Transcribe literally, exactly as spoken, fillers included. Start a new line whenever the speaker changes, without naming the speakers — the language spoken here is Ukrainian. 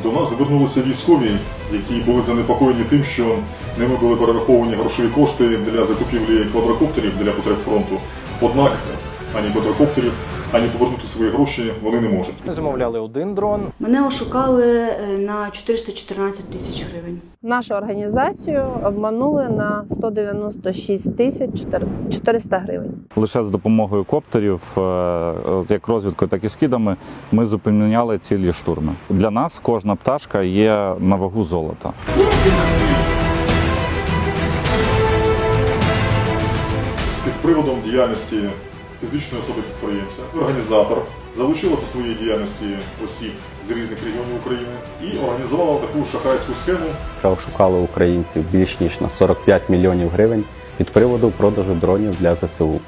До нас звернулися військові, які були занепокоєні тим, що ними були перераховані грошові кошти для закупівлі квадрокоптерів для потреб фронту. Однак ані квадрокоптерів, ані повернути свої гроші вони не можуть.
Ми замовляли один дрон.
Мене ошукали на чотириста чотирнадцять тисяч гривень.
Нашу організацію обманули на сто дев'яносто шість тисяч чотириста гривень.
Лише з допомогою коптерів, як розвідкою, так і скидами, ми зупиняли цілі штурми. Для нас кожна пташка є на вагу золота.
Під приводом діяльності фізичної особи-підприємця організатор залучила до своєї діяльності осіб з різних регіонів України і організувала таку шахрайську схему.
Ошукали українців більш ніж на сорок п'ять мільйонів гривень під приводом продажу дронів для зе се у.